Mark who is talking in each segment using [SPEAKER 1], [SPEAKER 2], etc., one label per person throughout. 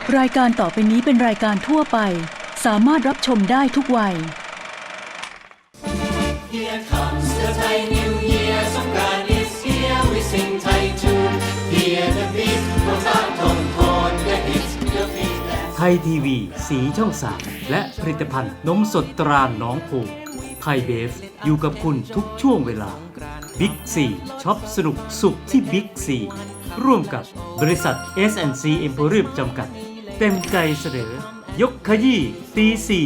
[SPEAKER 1] รายการต่อไปนี้เป็นรายการทั่วไปสามารถรับชมได้ทุกวัย
[SPEAKER 2] Here comes the Thai New Year สงกรานต์ is here we sing Thai tune Hear the beat น้ำตาทนทน the hits the beat
[SPEAKER 3] ไทยทีวีสีช่อง 3และผลิตภัณฑ์นมสดตราหนองโพไทยเบฟอยู่กับคุณทุกช่วงเวลาบิ๊กซีช็อปสนุกสุขที่บิ๊กซีร่วมกับบริษัท S&C Emporium จำกัดเต็มใจเสนอยกขยี้ตี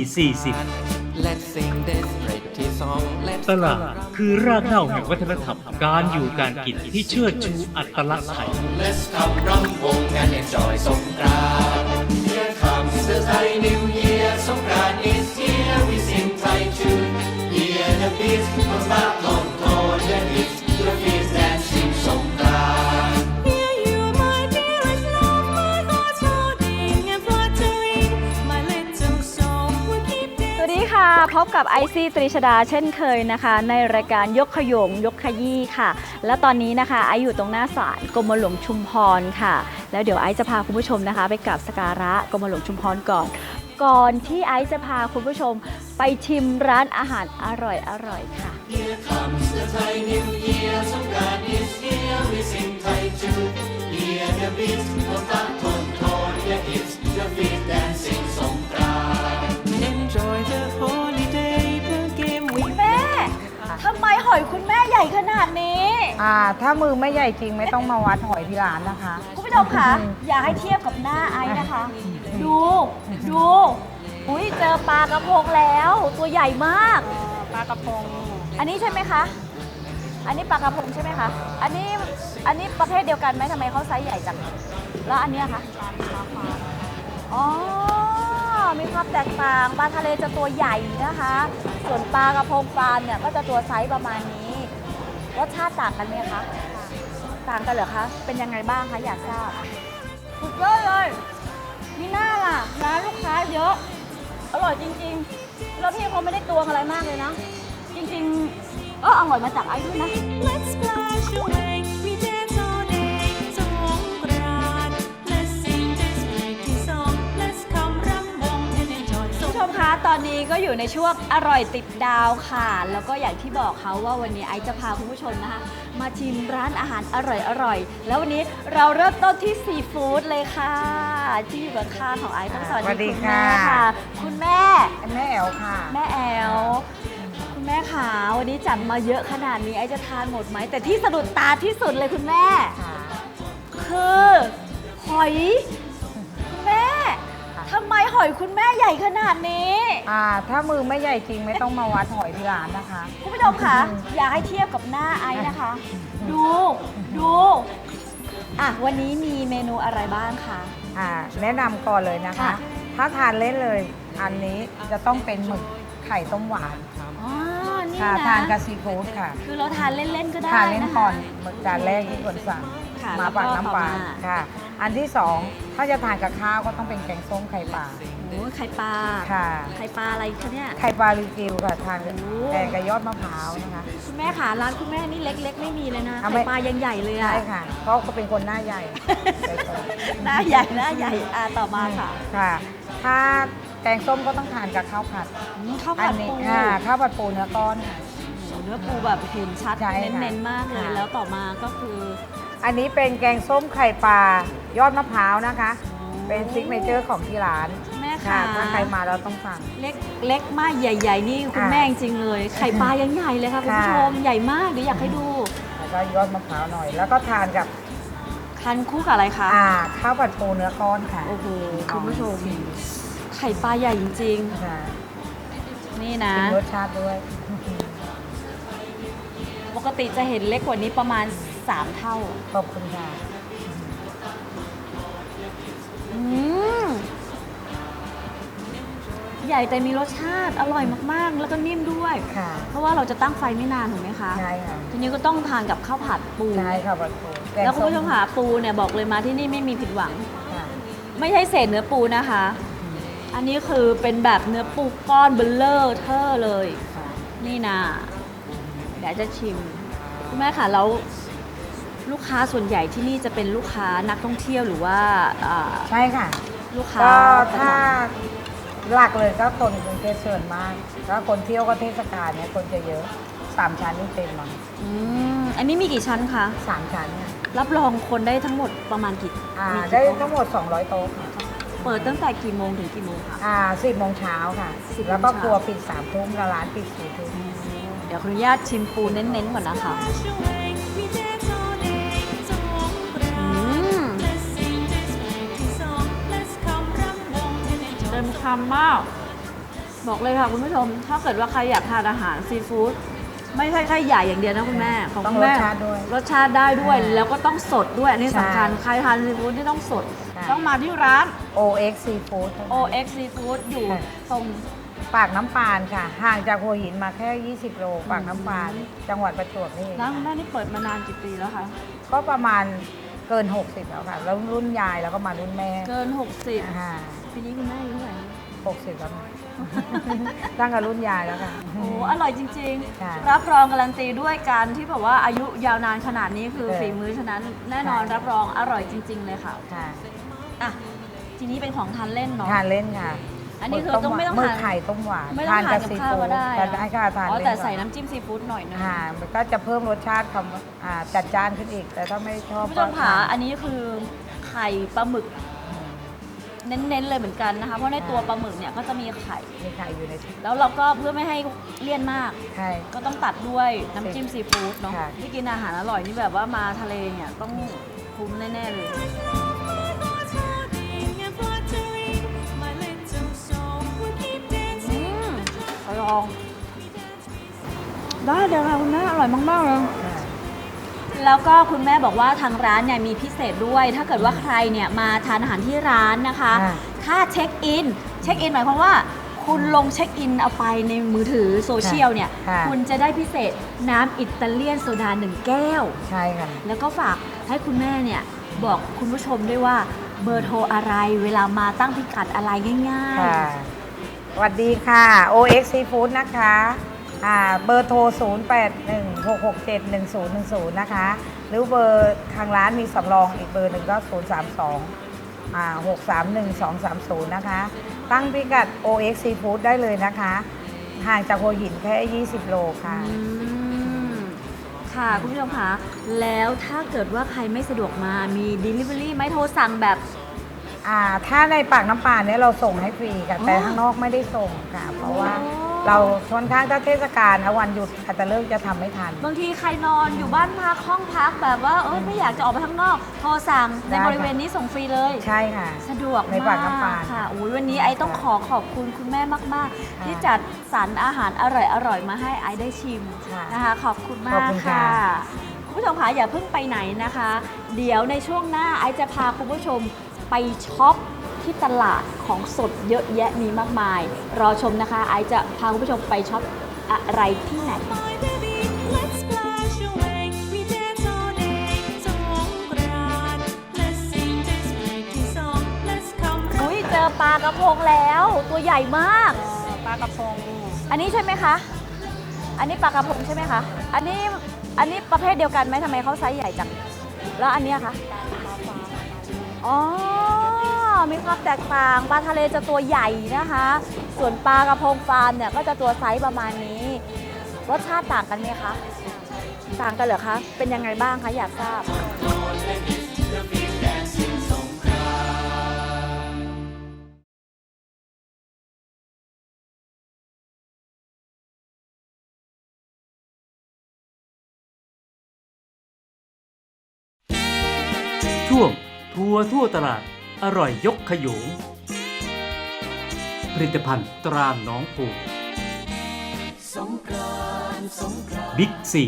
[SPEAKER 3] 4:40
[SPEAKER 2] Let's sing this pretty song Let's
[SPEAKER 3] ตลาดคือรากเหง้าแห่งวัฒนธรรมการอยู่การกินที่เชิดชูอัตลักษณ์ไทย
[SPEAKER 2] Let's come รำวง and enjoy สงกรานต์ Here comes the Thai New Year สงกรานต์ is here we sing Thai tune Hear the beat น้ำตาทนทน the hits the beat dancing สงกรานต์
[SPEAKER 4] Hear you, my dearest love, my heart's holding and fluttering. My little soul will keep
[SPEAKER 5] สวัสดีค่ะ พบกับไอซี่ตรีชดาเช่นเคยนะคะ ในรายการยกขยงยกขยี้ค่ะ และตอนนี้นะคะไออยู่ตรงหน้าศาลกรมหลวงชุมพรค่ะ แล้วเดี๋ยวไอจะพาคุณผู้ชมนะคะ ไปกราบสักการะกรมหลวงชุมพรก่อนที่ไอจะพาคุณผู้ชมไปชิมร้านอาหารอร่อยค่ะ
[SPEAKER 2] Here comes the Thai New Year สงกรานต์ is here we sing Thai tune Hear the beat น้ำตาทนทน the hits the beat dancing สงกรานต์ Enjoy the holiday เพื่อเกมวิ่ง
[SPEAKER 5] แม่ทำไมหอยคุณแม่ใหญ่ขนาดนี้
[SPEAKER 6] ถ้ามือไม่ใหญ่จริงไม่ต้องมาวัดหอยที่ร้านนะคะ
[SPEAKER 5] คุณผู้ชมคะอย่าให้เทียบกับหน้าไอนะคะ ดูอุ้ยเจอปลากระพงแล้วตัวใหญ่มากปลากระพงอันนี้ใช่ไหมคะ อันนี้ปลากระพงใช่ไหมคะอันนี้ประเภทเดียวกันไหมทำไมเขาไซส์ใหญ่จังแล้วอันเนี้ยคะอ๋อมีความแตกต่างปลาทะเลจะตัวใหญ่นะคะ ส่วนปลากระพงปลาเนี่ยก็จะตัวไซส์ประมาณนี้รสชาติต่างกันไหมคะต่างกันเหรอคะเป็นยังไงบ้างคะอยากทราบสุดยอดเลยมีหน้าล่ะร้านลูกค้าเยอะอร่อยจริงๆแล้วพี่เขาไม่ได้ตวงอะไรมากเลยนะจริงๆอร่อยมาจากไอ้ด้วยนะ
[SPEAKER 4] Let's splash away. We dance all day. สงกรานต์ Let's sing this pretty song. Let's come รำวง and enjoy
[SPEAKER 5] คุณผู้ชมคะตอนนี้ก็อยู่ในช่วงอร่อยติดดาวค่ะ แล้วก็อย่างที่บอกเขาว่าวันนี้ไอซ์จะพาคุณผู้ชมนะคะ มาชิมร้านอาหารอร่อยแล้ววันนี้เราเริ่มต้นที่ซีฟู้ดเลยค่ะที่อยู่กับข้างของไอซ์ต้องสวัส
[SPEAKER 6] สวัสดี
[SPEAKER 5] ดีคุณแม่
[SPEAKER 6] ค่ะ
[SPEAKER 5] ค่ะ คุณแม่
[SPEAKER 6] แม่แอลค่ะ
[SPEAKER 5] แม่แอลคุณแม่ขาวันนี้จัดมาเยอะขนาดนี้ไอซ์จะทานหมดไหมแต่ที่สะดุดตาที่สุดเลยคุณแม่ คือหอยคุณแม่ทำไมหอยคุณแม่ใหญ่ขนาดนี้
[SPEAKER 6] ถ้ามือไม่ใหญ่จริงไม่ต้องมาวัดหอยที่ร้านนะคะ
[SPEAKER 5] คุณผู้ชมคะอย่าให้เทียบกับหน้าไอซ์นะคะ ดูวันนี้มีเมนูอะไรบ้างคะ
[SPEAKER 6] แนะนำก่อนเลยนะคะ
[SPEAKER 5] ค่ะ
[SPEAKER 6] ถ้าทานเล่นเลย อันนี้จะต้องเป็นหมึกไข่ต้มหวาน
[SPEAKER 5] อ๋อนี่
[SPEAKER 6] ค่ะ
[SPEAKER 5] นะ
[SPEAKER 6] ทานกับซีฟู้ดค่ะ
[SPEAKER 5] คือเราทานเล่นๆก็ได้
[SPEAKER 6] ทานเล่น
[SPEAKER 5] นะคะ
[SPEAKER 6] ก่อนหมึกจานแรกที่ควรสั่ง
[SPEAKER 5] ค่ะ
[SPEAKER 6] มาปากน้ำปลา
[SPEAKER 5] แล้วก็ต่อมา
[SPEAKER 6] ค่ะ อันที่สองถ้าจะทานกับข้าวก็ต้องเป็นแกงส้มไข่ปลา
[SPEAKER 5] โอ้ยไข่ปลา
[SPEAKER 6] ค่ะ
[SPEAKER 5] ไข่ปลาอะไรคะเนี่ย
[SPEAKER 6] ไข่ปลาลิวกิวค่ะทานกับ
[SPEAKER 5] โอ้
[SPEAKER 6] แกงกับยอดมะพร้าวนะคะ
[SPEAKER 5] คุณแม่ขาร้านคุณแม่นี่เล็กๆ ไม่มีเลยนะ
[SPEAKER 6] เอา
[SPEAKER 5] ไข่
[SPEAKER 6] ไม่
[SPEAKER 5] ปลายังใหญ่เลยอะ
[SPEAKER 6] ใช่ค่ะเพราะเขาเป็นคนหน้าใหญ่
[SPEAKER 5] หน้าใหญ่ต่อมาค่ะ
[SPEAKER 6] ค่ะ ถ้าแกงส้มก็ต้องทานกับข้าวผัด
[SPEAKER 5] ข้าว
[SPEAKER 6] อั
[SPEAKER 5] ผัด
[SPEAKER 6] นี้
[SPEAKER 5] ปู
[SPEAKER 6] ค่ะข้าวผัดปูเนื้อก้อนค่ะ
[SPEAKER 5] เนื้อปูแบบเห็นชัด
[SPEAKER 6] ใช่ค่ะ
[SPEAKER 5] เน้นๆมากเลย
[SPEAKER 6] ค่ะ
[SPEAKER 5] แล้วต่อมาก็คือ
[SPEAKER 6] อันนี้เป็นแกงส้มไข่ปลายอดมะพร้าวนะคะ เป็นซิกเนเจอร์ของที่ร้าน
[SPEAKER 5] แม่
[SPEAKER 6] ค่ะ
[SPEAKER 5] ค่ะ
[SPEAKER 6] ถ้าใครมาเราต้องสั่ง
[SPEAKER 5] เล็กมากใหญ่ ๆ นี่คุณ
[SPEAKER 6] ค่ะ
[SPEAKER 5] แม่จริงๆเลย ไข่ปลายังใหญ่เลยค่ะคุณผู้ชม
[SPEAKER 6] ค่ะ
[SPEAKER 5] ใหญ่มากเดี๋ยวอยากให้ดู
[SPEAKER 6] แล้วก็ยอดมะพร้าวหน่อย แล้วก็ทานกับ
[SPEAKER 5] คันคู่กับอะไรคะ
[SPEAKER 6] ข้าวผัดปูเนื้อก้อนค่ะ
[SPEAKER 5] โอ้โหคุณผู้ชม ไข่ปลาใหญ่จริง
[SPEAKER 6] ค่ะ
[SPEAKER 5] ๆ นี่นะ
[SPEAKER 6] เป็นรสชาติด้วย
[SPEAKER 5] ปกติจะเห็นเล็กกว่านี้ประมาณ 3 เท่า
[SPEAKER 6] ขอบคุณค่ะ
[SPEAKER 5] อืมใหญ่แต่มีรสชาติอร่อยมากๆ แล้วก็นิ่มด้วย
[SPEAKER 6] ค่ะ
[SPEAKER 5] เพราะว่าเราจะตั้งไฟไม่นานถูกไหมคะ
[SPEAKER 6] ใช่ค่ะ
[SPEAKER 5] ทีนี้ก็ต้องทานกับข้าวผัดปู
[SPEAKER 6] ใช่ค่ะผัดปูกง
[SPEAKER 5] แล้วคุณผู้ชม
[SPEAKER 6] ส้
[SPEAKER 5] ค่ะปูเนี่ยบอกเลยมาที่นี่ไม่มีผิดหวัง
[SPEAKER 6] ค่ะ
[SPEAKER 5] ไม่ใช่เศษเนื้อปูนะคะ อันนี้คือเป็นแบบเนื้อปูก้อนเบลเลอร์เทอร์เลย
[SPEAKER 6] ค่ะ
[SPEAKER 5] นี่นะเดี๋ยวจะชิมคุณแม่ค่ะแล้วลูกค้าส่วนใหญ่ที่นี่จะเป็นลูกค้านักท่องเที่ยวหรือว่า
[SPEAKER 6] ใช่ค่ะ
[SPEAKER 5] ลูกค้า
[SPEAKER 6] ก็
[SPEAKER 5] ประจ
[SPEAKER 6] ถ้าหลักเลยก็คนกรุงเทพส่วนมากถ้าคนเที่ยวก็เทศกาลเนี่ยคนจะเยอะ3 ชั้นนี่เต็มมั้ง
[SPEAKER 5] อันนี้มีกี่ชั้นคะ
[SPEAKER 6] 3 ชั้นเนี่ย
[SPEAKER 5] รับรองคนได้ทั้งหมดประมาณกี่มีกี่
[SPEAKER 6] ได้
[SPEAKER 5] โต๊ะ
[SPEAKER 6] ทั้งหมด200 โต๊ะค่ะ
[SPEAKER 5] เปิดตั้งแต่กี่โมงถึงกี่โมงคะ
[SPEAKER 6] 10 โมงเช้าค่ะ
[SPEAKER 5] 10
[SPEAKER 6] แล้วก็
[SPEAKER 5] โมงเช้า
[SPEAKER 6] ครัวปิด3 ทุ่มแล้วร้านปิด4 ทุ่ม
[SPEAKER 5] เดี๋ยวขออนุญาตชิมปูเน้นๆก่อนนะคะ
[SPEAKER 4] Flash away มีแดนโซเดย์สงกรานต์ Let's sing this เพลงที่สอง Let's คำรำวง and enjoy
[SPEAKER 5] เต็มคำมาก บอกเลยค่ะคุณผู้ชม ถ้าเกิดว่าใครอยากทานอาหารซีฟู้ดไม่ใช่แค่ใหญ่อย่างเดียวนะคุณแม่ของ
[SPEAKER 6] ต้อง
[SPEAKER 5] คุณแม่
[SPEAKER 6] รสชาติด้วย
[SPEAKER 5] รสชาติได้ด้วย แล้วก็ต้องสดด้วย อันนี้
[SPEAKER 6] ใช่
[SPEAKER 5] สำคัญใครทานซีฟู้ดที่ต้องสด
[SPEAKER 6] ใช่
[SPEAKER 5] ต้องมาที่ร้าน
[SPEAKER 6] OX Seafood เท่านั้น
[SPEAKER 5] OX Seafood อยู่
[SPEAKER 6] ค่ะ
[SPEAKER 5] ตรง
[SPEAKER 6] ปากน้ำปานค่ะ ห่างจากหัวหินมาแค่ 20 โลปากน้ำปาน จังหวัดประจวบนี่เอง
[SPEAKER 5] ร้านคุณแม่นี่เปิดมานานกี่ปีแล้วคะ
[SPEAKER 6] ก็ประมาณเกิน 60 แล้วค่ะ แล้วรุ่นยายแล้วก็มารุ่นแม่
[SPEAKER 5] เกิน 60
[SPEAKER 6] อ่า
[SPEAKER 5] ปีนี้คุณแม่อายุเท่าไหร่
[SPEAKER 6] 60 แล้วนะ ตั้งแต่รุ่นยายแล้วค่ะ
[SPEAKER 5] โอ้อร่อยจริง
[SPEAKER 6] ค่ะ
[SPEAKER 5] ๆ รับรองการันตีด้วยการที่แบบว่าอายุยาวนานขนาดนี้คือ
[SPEAKER 6] ค่ะ
[SPEAKER 5] ฝีมือฉะนั้นแน่นอน
[SPEAKER 6] ค่ะ
[SPEAKER 5] รับรองอร่อยจริง ๆ เลยค่ะ
[SPEAKER 6] ค่ะ
[SPEAKER 5] อ่ะทีนี้เป็นของทานเล่นเนาะ
[SPEAKER 6] ทานเล่นค่ะ
[SPEAKER 5] อันนี้คือต้องไม่ต้อง
[SPEAKER 6] มือ
[SPEAKER 5] ทาน
[SPEAKER 6] ไข่ต้มหวาน
[SPEAKER 5] ไม่ต้องทานกับข้าวก็ได้
[SPEAKER 6] ทานได้ค่ะทาน
[SPEAKER 5] อ๋อ
[SPEAKER 6] เล่น
[SPEAKER 5] แต่
[SPEAKER 6] ก่อน
[SPEAKER 5] ใส่น้ำจิ้มซีฟู้ดหน่อยนึง
[SPEAKER 6] มันก็จะเพิ่มรสชาติจัดจ้านขึ้นอีก แต่ถ้าไม่ชอบ
[SPEAKER 5] คุณผู้ชมค่ะอันนี้คือไข่ปลาหมึก เน้นๆเลยเหมือนกันนะคะ เพราะในตัวปลาหมึกเนี่ยก็จะมีไข่
[SPEAKER 6] มีไข่อยู่ใน
[SPEAKER 5] แล้วเราก็เพื่อไม่ให้เลี่ยนมาก
[SPEAKER 6] ไข่
[SPEAKER 5] ก็ต้องตัดด้วยน้ำจิ้มซีฟู้ดเนาะ
[SPEAKER 6] ค่ะ
[SPEAKER 5] ที่กินอาหารอร่อยนี่แบบว่ามาทะเลเนี่ยต้องคุ้มแน่ๆเลย
[SPEAKER 4] Holding and fluttering my little soul will keep dancing
[SPEAKER 5] ลอง ได้เดี๋ยวค่ะคุณแม่อร่อยมากๆเลย
[SPEAKER 6] ค่ะ
[SPEAKER 5] แล้วก็คุณแม่บอกว่าทางร้านเนี่ยมีพิเศษด้วย ถ้าเกิดว่าใครเนี่ยมาทานอาหารที่ร้านนะคะ ถ้าเช็คอินหมายความว่า คุณลงเช็คอินเอาไปในมือถือโซเชียลเนี่ย
[SPEAKER 6] ค่ะ
[SPEAKER 5] คุณจะได้พิเศษน้ำอิตาเลียนโซดา1 แก้ว
[SPEAKER 6] ใช่ค่ะ
[SPEAKER 5] แล้วก็ฝากให้คุณแม่เนี่ยบอกคุณผู้ชมด้วยว่าเบอร์โทรอะไรเวลามาตั้งพิกัดอะไรง่ายๆ
[SPEAKER 6] ค่ะสวัสดีค่ะ OX Seafood นะคะเบอร์โทร 0816671010 นะคะ หรือเบอร์ทางร้านมีสำรองอีกเบอร์หนึ่งก็ 032-631-230 นะคะ ตั้งพิกัด OX Seafood ได้เลยนะคะ ห่างจากหัวหินแค่ 20 โลค่ะ
[SPEAKER 5] ค่ะคุณผู้ชมคะแล้วถ้าเกิดว่าใครไม่สะดวกมามี Delivery ไหมโทรสั่งแบบ
[SPEAKER 6] ถ้าในปากน้ำปานเนี่ยเราส่งให้ฟรีค่ะ แต่
[SPEAKER 5] อ๋อ
[SPEAKER 6] ข้างนอกไม่ได้ส่งค่ะ เพราะว่า
[SPEAKER 5] อ๋อ
[SPEAKER 6] เราค่อนข้างถ้าเทศกาลนะวันหยุดอาจจะเลิกจะทำไม่ทัน
[SPEAKER 5] บางทีใครนอนอยู่บ้านพักห้องพักแบบว่าไม่อยากจะออกไปข้างนอก โทรสั่งใน
[SPEAKER 6] ได้ค่ะ
[SPEAKER 5] บริเวณนี้ส่งฟรีเลย
[SPEAKER 6] ใช่ค่ะ
[SPEAKER 5] สะดวก
[SPEAKER 6] ในปากน้ำปาน
[SPEAKER 5] ค่ะอุ๊ยวันนี้ไอต้องขอบคุณคุณแม่มาก ๆ ที่จัดสรรอาหารอร่อย ๆ มาให้ไอได้ชิม
[SPEAKER 6] ค่ะ
[SPEAKER 5] นะคะ ขอบคุณมา
[SPEAKER 6] ขอบ
[SPEAKER 5] ก
[SPEAKER 6] คุณ
[SPEAKER 5] ค่ะ
[SPEAKER 6] ค่ะ
[SPEAKER 5] คุณผู้ชมคะอย่าเพิ่งไปไหนนะคะ เดี๋ยวในช่วงหน้าไอจะพาคุณผู้ชมไปช็อปที่ตลาดของสดเยอะแยะมีมากมาย รอชมนะคะ ไอจะพาคุณผู้ชมไปช็อปอะไรที่ไหน
[SPEAKER 4] My baby let's splash away we dance all day สงกรานต์ Let's sing this เพลงที่สอง Let's คำรำ
[SPEAKER 5] อุ้ยเจอปลากระพงแล้วตัวใหญ่มาก
[SPEAKER 6] ปลากระพง
[SPEAKER 5] อันนี้ใช่ไหมคะ อันนี้ปลากระพงใช่ไหมคะ อันนี้ประเภทเดียวกันไหมทำไมเขาไซส์ใหญ่จัง แล้วอันเนี้ยคะอ๋อ มีความแตกต่าง ปลาทะเลจะตัวใหญ่นะคะ ส่วนปลากระพงฟาร์มเนี่ยก็จะตัวไซส์ประมาณนี้ รสชาติต่างกันไหมคะ ต่างกันเหรอคะ เป็นยังไงบ้างคะ อยากทราบ
[SPEAKER 3] ช่วงทัวร์ทั่วตลาดอร่อยยกขยงผลิตภัณฑ์ตราหนองผูบิ๊กซี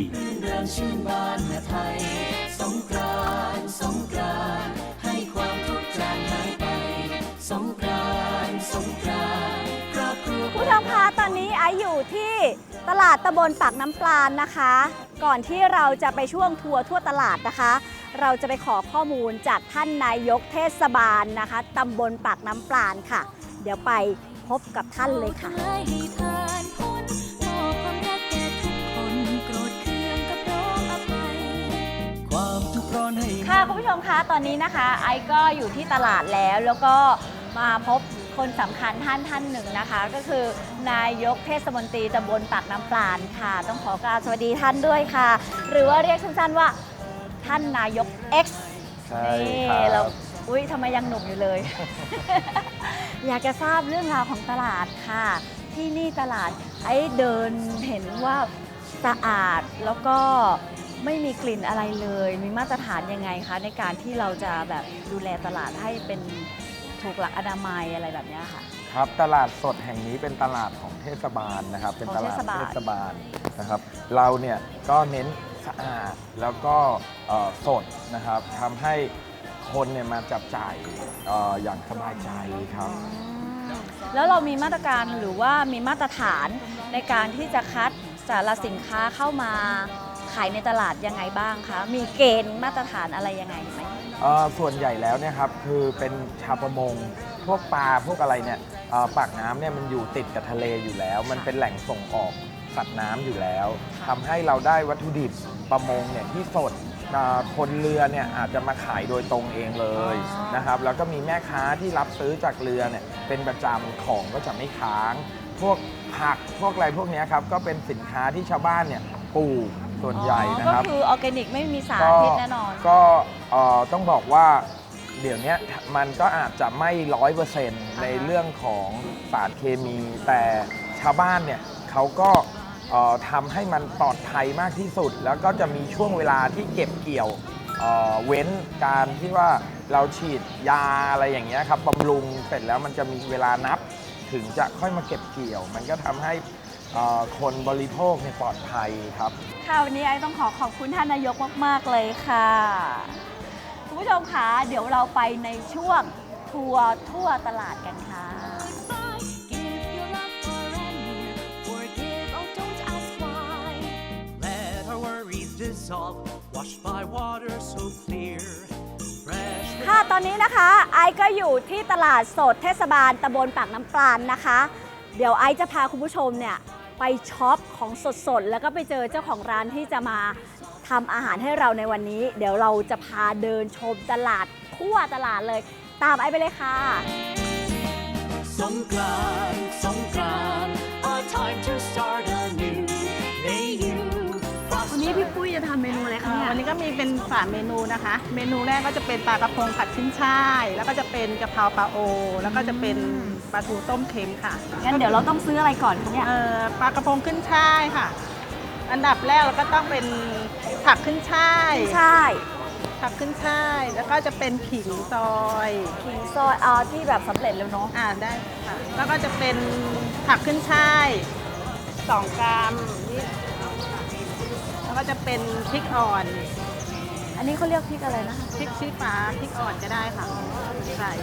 [SPEAKER 5] ผู้ชมคะตอนนี้ไออยู่ที่ตลาดตำบลปากน้ำปลานนะคะ ก่อนที่เราจะไปช่วงทัวร์ทั่วตลาดนะคะ เราจะไปขอข้อมูลจากท่านนายกเทศบาลนะคะตำบลปากน้ำปลานค่ะ เดี๋ยวไปพบกับท่านเลยค่ะ
[SPEAKER 4] ให้ผ่านพ้นมอบความรักแก่ทุกคนโกรธเคืองกับร้องอภัย
[SPEAKER 5] ค่ะคุณผู้ชมคะตอนนี้นะคะไอก็อยู่ที่ตลาดแล้วก็มาพบคนสำคัญท่านหนึ่งนะคะ ก็คือนายกเทศมนตรีตำบลปากน้ำปราณค่ะ ต้องขอกราบสวัสดีท่านด้วยค่ะ หรือว่าเรียกสั้นๆว่าท่านนายก X
[SPEAKER 7] ใช่
[SPEAKER 5] นี่
[SPEAKER 7] ครับ
[SPEAKER 5] เราอุ้ยทำไมยังหนุ่มอยู่เลย อยากจะทราบเรื่องราวของตลาดค่ะ ที่นี่ตลาดไอ้เดินเห็นว่าสะอาดแล้วก็ไม่มีกลิ่นอะไรเลย มีมาตรฐานยังไงคะในการที่เราจะแบบดูแลตลาดให้เป็นถูกหลักอนามัยอะไรแบบเนี้ยค่ะ
[SPEAKER 7] ครับตลาดสดแห่งนี้เป็นตลาดของเทศบาลนะครับ เป็นตลาด
[SPEAKER 5] ของเทศบาล
[SPEAKER 7] เทศบาลนะครับ เราเนี่ยก็เน้นสะอาดแล้วก็สดนะครับทำให้คนเนี่ยมาจับจ่ายอย่างสบายใจครับ
[SPEAKER 5] แล้วเรามีมาตรการหรือว่ามีมาตรฐานในการที่จะคัดสารสินค้าเข้ามาขายในตลาดยังไงบ้างคะ มีเกณฑ์มาตรฐานอะไรยังไงไหม
[SPEAKER 7] ส่วนใหญ่แล้วเนี่ยครับคือเป็นชาวประมงพวกปลาพวกอะไรเนี่ยปากน้ำเนี่ยมันอยู่ติดกับทะเลอยู่แล้ว มันเป็นแหล่งส่งออกสัตว์น้ำอยู่แล้วทำให้เราได้วัตถุดิบประมงเนี่ยที่สดคนเรือเนี่ยอาจจะมาขายโดยตรงเองเลยนะครับแล้วก็มีแม่ค้าที่รับซื้อจากเรือเนี่ยเป็นประจำของก็จะไม่ค้าง พวกผักพวกอะไรพวกเนี้ยครับก็เป็นสินค้าที่ชาวบ้านเนี่ยปลูกส่วนใหญ่นะครับ
[SPEAKER 5] ก็คือออร์แกนิกไม่มีสารพิษแน่นอน
[SPEAKER 7] ก็ต้องบอกว่าเดี๋ยวนี้มันก็อาจจะไม่100%ในเรื่องของสารเคมี แต่ชาวบ้านเนี่ยเขาก็ทำให้มันปลอดภัยมากที่สุด แล้วก็จะมีช่วงเวลาที่เก็บเกี่ยวเว้นการที่ว่าเราฉีดยาอะไรอย่างเงี้ยครับบำรุงเสร็จแล้วมันจะมีเวลานับถึงจะค่อยมาเก็บเกี่ยว มันก็ทำให้คนบริโภคเนี่ยปลอดภัยครับ
[SPEAKER 5] ค่ะวันนี้ไอ้ต้องขอบคุณท่านนายกมาก ๆ เลยค่ะคุณผู้ชมคะเดี๋ยวเราไปในช่วงทัวร์ทั่วตลาดกันค่ะ
[SPEAKER 4] Give your love far and near. Forgive, oh, don't ask why.
[SPEAKER 2] Let our worries dissolve, washed by water so clear. Fresh
[SPEAKER 5] ค่ะตอนนี้นะคะไอซ์ก็อยู่ที่ตลาดสดเทศบาลตำบลปากน้ำปราณนะคะ เดี๋ยวไอซ์จะพาคุณผู้ชมเนี่ยไปช็อปของสดๆ แล้วก็ไปเจอเจ้าของร้านที่จะมาทำอาหารให้เราในวันนี้ เดี๋ยวเราจะพาเดินชมตลาดทั่วตลาดเลย ตามไอซ์ไปเลยค่ะ
[SPEAKER 2] Songkran, a time to start anew. May you
[SPEAKER 5] วันนี้พี่ปุ้ยจะทำเมนูอะไรคะเนี่ย
[SPEAKER 8] วันนี้ก็มีเป็น3เมนูนะคะ เมนูแรกก็จะเป็นปลากระพงผัดขึ้นช่าย แล้วก็จะเป็นกะเพราปลาโอ แล้วก็จะเป็นปลาทูต้มเค็มค่ะ
[SPEAKER 5] งั้นเดี๋ยวเราต้องซื้ออะไรก่อนคะเนี่ย
[SPEAKER 8] ปลากระพงขึ้นช่ายค่ะ อันดับแรกเราก็ต้องเป็นผักขึ้นช่าย
[SPEAKER 5] ใช่
[SPEAKER 8] ผักขึ้นช่าย แล้วก็จะเป็นขิงซอย
[SPEAKER 5] ขิงซอยที่แบบสำเร็จแล้วเนาะ
[SPEAKER 8] ได้ค่ะ แล้วก็จะเป็นผักขึ้นช่าย2 กรัมนี่แล้วก็จะเป็นพริกอ่อน
[SPEAKER 5] อันนี้เขาเรียกพริกอะไรนะคะ
[SPEAKER 8] พริกชี้ฟ้าพริกอ่อนก็ได้ค่ะใส่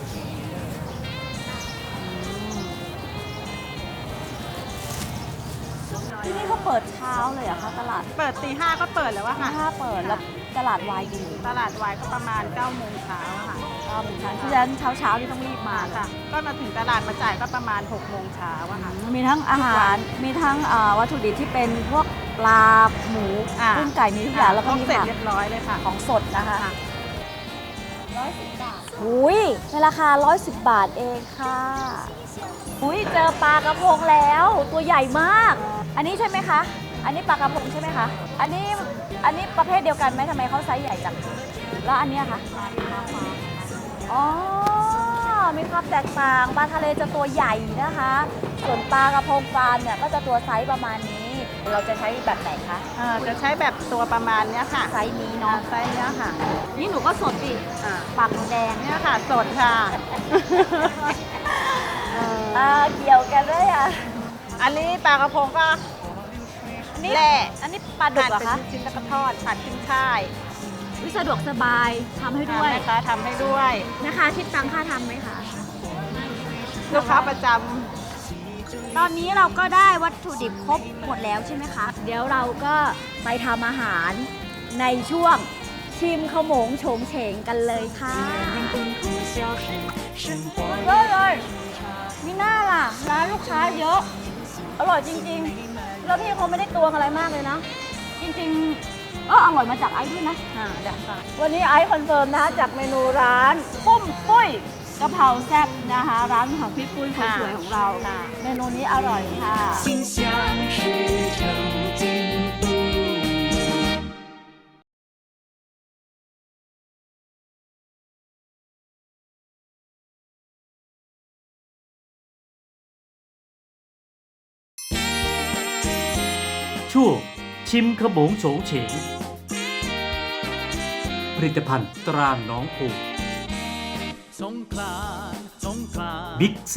[SPEAKER 5] ที่นี่เขาเปิดเช้าเลยเหรอะคะตลาด
[SPEAKER 8] เปิดตี 5ก็เปิดแล้วอะค่ะ
[SPEAKER 5] ถ้าเปิดแล้วตลาดวายดี
[SPEAKER 8] ตลาดวายก็ประมาณ9โมงเช้าค่ะ
[SPEAKER 5] ก็เหมือนกันฉะนั้นเช้าที่ต้องรีบมา
[SPEAKER 8] ค่ะ ก็มาถึงตลาดมาจ่ายก็ประมาณ6โมงเช้าอะค่ะ
[SPEAKER 5] มีทั้งอาหารมีทั้งวัตถุดิบที่เป็นพวกปลาหมู
[SPEAKER 8] อ่า
[SPEAKER 5] กุ้งไก่มีทุกอย่างแล้วก็มี
[SPEAKER 8] เสร็จ
[SPEAKER 5] ผัก
[SPEAKER 8] เรียบร้อยเลยค่ะ
[SPEAKER 5] ของสดนะคะ
[SPEAKER 8] ค่ะ
[SPEAKER 5] 110 บาทหุยในราคา 110 บาทเองค่ะหุยเจอปลากระพงแล้วตัวใหญ่มาก อันนี้ใช่ไหมคะ อันนี้ปลากระพงใช่ไหมคะ อันนี้ประเภทเดียวกันไหมทำไมเขาไซส์ใหญ่จังแล้วอันเนี้ยคะอ๋อมีความแตกต่างปลาทะเลจะตัวใหญ่นะคะ ส่วนปลากระพงปลาเนี่ยก็จะตัวไซส์ประมาณนี้ เราจะใช้แบบไหนคะ
[SPEAKER 8] จะใช้แบบตัวประมาณเนี้ยค่ะ
[SPEAKER 5] ไซส์นี้เนาะ
[SPEAKER 8] ไซส์เนี้ยค่ะ
[SPEAKER 5] นี่หนูก็สดดิ
[SPEAKER 8] อ่า
[SPEAKER 5] ปากหนูแดง
[SPEAKER 8] เนี่ยค่ะสดค่ะ
[SPEAKER 5] เกี่ยวกันด้วยอ่ะ
[SPEAKER 8] อันนี้ปลากระพงก็
[SPEAKER 5] นี่
[SPEAKER 8] แหละ
[SPEAKER 5] อันนี้ปลาดุกเหรอ
[SPEAKER 8] เป็น
[SPEAKER 5] คะ
[SPEAKER 8] ชิ้นๆแล้วก็ทอดผัดขึ้นช่าย
[SPEAKER 5] วิสะดวกสบายทำให้ด้วย
[SPEAKER 8] นะคะทำให้ด้วย
[SPEAKER 5] นะคะคิดตังค่าทำไหมคะ
[SPEAKER 8] ลูกค้าประจ
[SPEAKER 5] ตอนนี้เราก็ได้วัตถุดิบครบหมดแล้วใช่ไหมคะ เดี๋ยวเราก็ไปทำอาหารในช่วงชิมขโมงโฉงเฉงกันเลยค่ะเยอะเลยมีหน้าล่ะ ร้านลูกค้าเยอะ อร่อยจริงๆ แล้วพี่เขาไม่ได้ตวงอะไรมากเลยนะ จริงๆอร่อยมาจากไอซ์ด้วยนะ
[SPEAKER 8] ำเดี๋ยวค่ะ
[SPEAKER 5] วันนี้ไอซ์คอนเฟิร์มนะจากเมนูร้านปุ้มปุ้ยกะเพราแซ่บนะคะ ร้านของพี่ปุ้ยคนสวยของเรา
[SPEAKER 8] ค่ะ
[SPEAKER 5] เมนูนี้อร่อยค่ะ
[SPEAKER 2] 心想事成进步。
[SPEAKER 3] ช่วงชิมขโมงโฉงเฉงผลิตภัณฑ์ตราหนองผู บิ๊กซี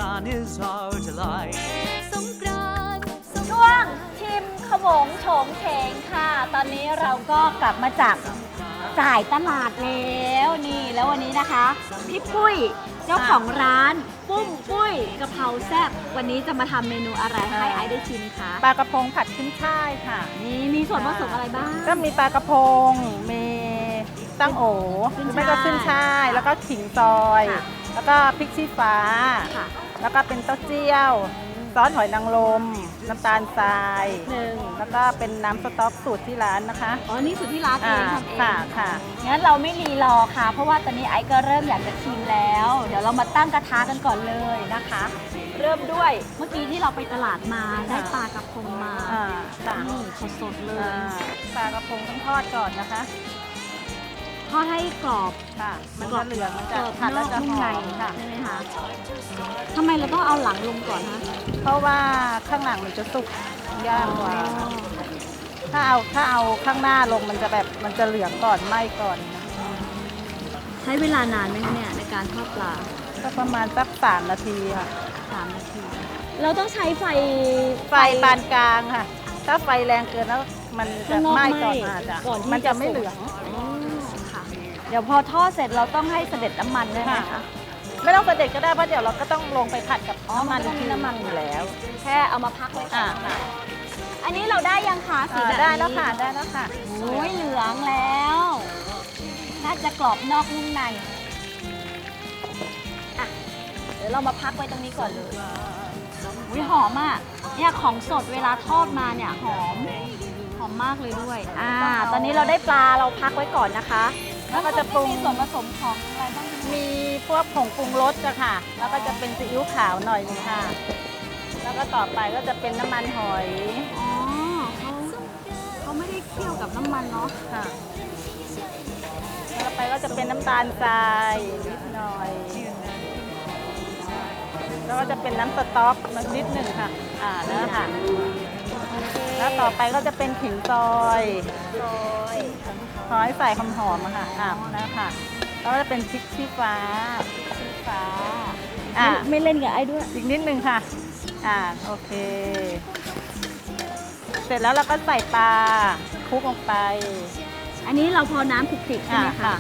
[SPEAKER 5] ช่วงชิมขโมงโฉงเฉงค่ะ ตอนนี้เราก็กลับมาจากจ่ายตลาดแล้วนี่แล้ววันนี้นะคะพี่ปุ้ยเจ้าของร้านปุ้ยกะเพราแซ่บวันนี้จะมาทำเมนูอะไรให้ไอซ์ได้ชิมคะ
[SPEAKER 8] ปลากระพงผัดขึ้นช่ายค่ะ
[SPEAKER 5] นี่มีส่วนผสมอะไรบ้าง
[SPEAKER 8] ก็มีปลากระพง มีตั้งโอห
[SPEAKER 5] ขึ้น
[SPEAKER 8] รือไม่ก็
[SPEAKER 5] ช่าย
[SPEAKER 8] ขึ้นช่าย แล้วก็ขิงซอย
[SPEAKER 5] ค่ะ
[SPEAKER 8] แล้วก็พริกชี้ฟ้า
[SPEAKER 5] ค่ะ
[SPEAKER 8] แล้วก็เป็นเต้าเจี้ยว ซอสหอยนางรม น้ำตาลทราย
[SPEAKER 5] หนึ่ง
[SPEAKER 8] แล้วก็เป็นน้ำสต๊อกสูตรที่ร้านนะคะ
[SPEAKER 5] อ๋อนี่สูตรที่ร้านเองทำเอง
[SPEAKER 8] ค่ะค่ะ
[SPEAKER 5] งั้นเราไม่รีรอค่ะ เพราะว่าตอนนี้ไอซ์ก็เริ่มอยากจะชิมแล้ว เดี๋ยวเรามาตั้งกระทะกันก่อนเลยนะคะ เริ่มด้วยเมื่อกี้ที่เราไปตลาดมาได้ปลากระพงมา
[SPEAKER 8] ค่ะ
[SPEAKER 5] นี่สดๆเลย
[SPEAKER 8] ปลากระพงต้องทอดก่อนนะคะ
[SPEAKER 5] ทอดให้กรอบ
[SPEAKER 8] ค่ะ มันจะเหลืองมันจะ
[SPEAKER 5] กรอบ
[SPEAKER 8] ผัด
[SPEAKER 5] น
[SPEAKER 8] แล้ว
[SPEAKER 5] อก
[SPEAKER 8] จะ
[SPEAKER 5] นุ่ม
[SPEAKER 8] ห
[SPEAKER 5] ใน
[SPEAKER 8] อมค่ะ
[SPEAKER 5] ใช่ไหมคะทำไมเราต้องเอาหลังลงก่อนคะ
[SPEAKER 8] เพราะว่าข้างหลังมันจะสุกยากกว่า ถ้าเอาข้างหน้าลงมันจะแบบมันจะเหลืองก่อนไหม้ก่อน
[SPEAKER 5] ใช้เวลานานไหมคะเนี่ยในการทอดปลา
[SPEAKER 8] ก็ประมาณสัก3 นาทีค่ะ
[SPEAKER 5] 3 นาที เราต้องใช้ไฟ
[SPEAKER 8] ไฟปานกลางค่ะ ถ้าไฟแรงเกินแล้วมันจะ
[SPEAKER 5] ข้างนอก
[SPEAKER 8] ไหม้
[SPEAKER 5] ไหม้
[SPEAKER 8] ก่อนอาจจะ
[SPEAKER 5] ก่อนที่
[SPEAKER 8] มัน
[SPEAKER 5] จะ
[SPEAKER 8] จะไม่
[SPEAKER 5] สุก
[SPEAKER 8] เหลือง
[SPEAKER 5] อ๋อค่ะ เดี๋ยวพอทอดเสร็จเราต้องให้เสด็จน้ำมันด้วยไหม
[SPEAKER 8] ค่ะ
[SPEAKER 5] คะ
[SPEAKER 8] ไม่ต้องเสด็จก็ได้เพราะเดี๋ยวเราก็ต้องลงไปผัดกับ
[SPEAKER 5] อ๋อ
[SPEAKER 8] น้ำมัน
[SPEAKER 5] มันต้องมีน้ำมัน
[SPEAKER 8] อยู่แล้ว
[SPEAKER 5] แค่เอามาพักไว้ก่อน
[SPEAKER 8] ค่ะ
[SPEAKER 5] อันนี้เราได้ยังคะสีแบบนี้
[SPEAKER 8] ได้แล้วค่ะได้แล้วค่ะ
[SPEAKER 5] โอ้ยเหลืองแล้ว น่าจะกรอบนอกนุ่มในอ่ะเดี๋ยวเรามาพักไว้ตรงนี้ก่อนเลยอุ้ยหอมอ่ะเนี่ยของสดเวลาทอดมาเนี่ยหอมมากเลยด้วยตอนนี้เราได้ปลาเราพักไว้ก่อนนะคะ
[SPEAKER 8] แล้วก็จะปรุง
[SPEAKER 5] มีส่วนผสมของอะไรบ้างคะ
[SPEAKER 8] มีพวกผงปรุงรสอะค่ะ แล้วก็จะเป็นซีอิ๊วขาวหน่อยนึงค่ะ แล้วก็ต่อไปก็จะเป็นน้ำมันหอย
[SPEAKER 5] อ๋อเขาไม่ได้เคี่ยวกับน้ำมันเนาะ
[SPEAKER 8] ค่ะต่อไปก็จะเป็นน้ำตาลทรายนิดหน่อย แล้วก็จะเป็นน้ำสต๊อกนิดหนึ่งค่ะ แล้วค่ะ แล้วต่อไปก็จะเป็นขิงซอยขอให้ใส่หอมๆอะค่ะแล้วค่ะ แล้วก็จะเป็นพริกชี้ฟ้า
[SPEAKER 5] ไม่เล่นกับไอ้ด้วย
[SPEAKER 8] อีกนิดนึงค่ะ โอเค เสร็จแล้วเราก็ใส่ปลาคลุกลงไป
[SPEAKER 5] อันนี้เราพอน้ำคลุกคลิกใช่ไหมคะ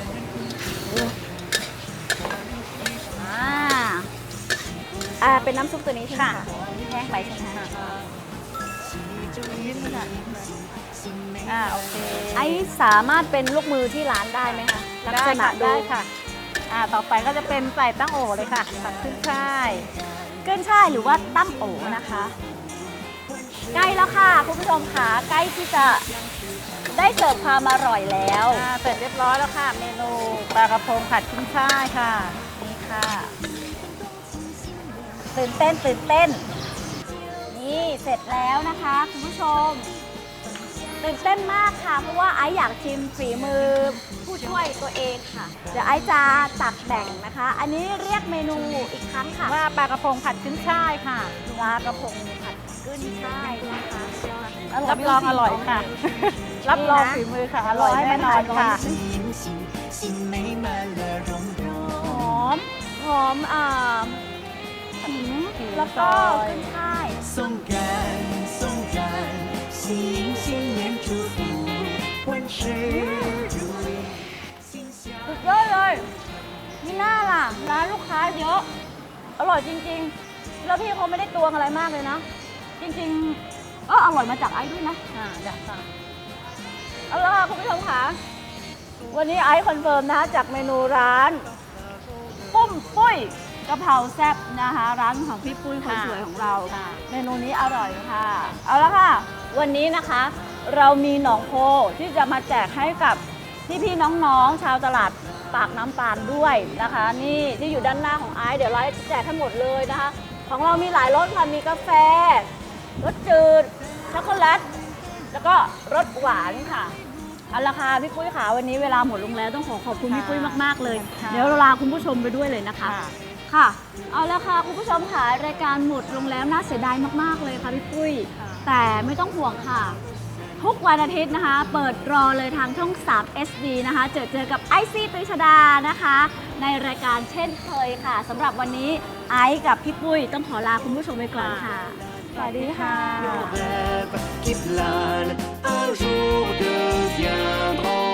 [SPEAKER 5] เป็นน้ำซุปตัวนี้ใช่ไหมคะแห้งไปใช่ไหมคะ
[SPEAKER 8] นิดนึงค่ะโอเค
[SPEAKER 5] ไอ้สามารถเป็นลูกมือที่ร้านได้ไหมคะลัก
[SPEAKER 8] ได้
[SPEAKER 5] ษณะ
[SPEAKER 8] ค่ะ
[SPEAKER 5] ดู
[SPEAKER 8] ได้ค่ะ ต่อไปก็จะเป็นใส่ตั้งโอเลยค่ะผัดขึ้นช่าย
[SPEAKER 5] เกินช่ายหรือว่าตั้มโอนะคะ ใกล้แล้วค่ะคุณผู้ชมค่ะใกล้ที่จะได้เสิร์ฟความอร่อยแล้ว
[SPEAKER 8] เสร็จเรียบร้อยแล้วค่ะ เมนูปลากระพงผัดขึ้นช่ายค่ะ
[SPEAKER 5] นี่ค่ะ ตื่นเต้น นี่เสร็จแล้วนะคะคุณผู้ชม ตื่นเต้นมากค่ะ เพราะว่าไอซ์อยากชิมฝีมือผู้ช่วยตัวเองค่ะ เดี๋ยวไอซ์จะตักแบ่งนะคะ อันนี้เรียกเมนูอีกครั้งค่ะ
[SPEAKER 8] ว่าปลากระพงผัดขึ้นช่ายค่ะ
[SPEAKER 5] ปลากระพงผัดขึ้นช่ายนะคะ
[SPEAKER 8] รับรองอร่อยค่ะ รับรองฝีมือค่ะ อร่อยแน่นอนค่ะ
[SPEAKER 5] หอมขิงแล้วก็ขึ้นช่าย
[SPEAKER 2] 松感松感，新新年祝福，万事如意。
[SPEAKER 5] สุดยอดเลยนี่น่าล่ะ ร้านลูกค้าเยอะ อร่อยจริงๆ แล้วพี่เขาไม่ได้ตวงอะไรมากเลยนะ จริงๆอร่อยมาจากไอซ์ด้วยนะ
[SPEAKER 8] อยากค่ะ
[SPEAKER 5] เอาละค่ะคุณผู้ชมค่ะ วันนี้ไอซ์คอนเฟิร์มนะคะจากเมนูร้านปุ้ยกะเพราแซ่บนะคะ ร้านของพี่ปุ้ยคนสวยของเรา เมนูนี้อร่อยค่ะ เอาละค่ะ วันนี้นะคะ เรามีหนองโพที่จะมาแจกให้กับพี่ๆน้องๆชาวตลาดปากน้ำตาลด้วยนะคะ นี่ที่อยู่ด้านหน้าของไอซ์เดี๋ยวเราแจกทั้งหมดเลยนะคะ ของเรามีหลายรสค่ะมีกาแฟรสจืดช็อกโกแลตแล้วก็รสหวานค่ะเอาละค่ะพี่ปุ้ยค่ะวันนี้เวลาหมดลงแล้วต้องขอบคุณพี่ปุ้ยมากๆเลย เดี๋ยวเราลาคุณผู้ชมไปด้วยเลยนะคะค่ะเอาละค่ะคุณผู้ชมค่ะรายการหมดลงแล้วน่าเสียดายมากๆเลยค่ะพี่ปุ้ยแต่ไม่ต้องห่วงค่ะทุกวันอาทิตย์นะคะเปิดรอเลยทางช่อง 3 SD นะคะเจอกับไอซี่ตรีชดานะคะในรายการเช่นเคยค่ะสำหรับวันนี้ไอซ์กับพี่ปุ้ยต้องขอลาคุณผู้ชมไปก่อนค่ะสวัสดีค่ะ
[SPEAKER 2] Rêve qui plane, un jour deviendront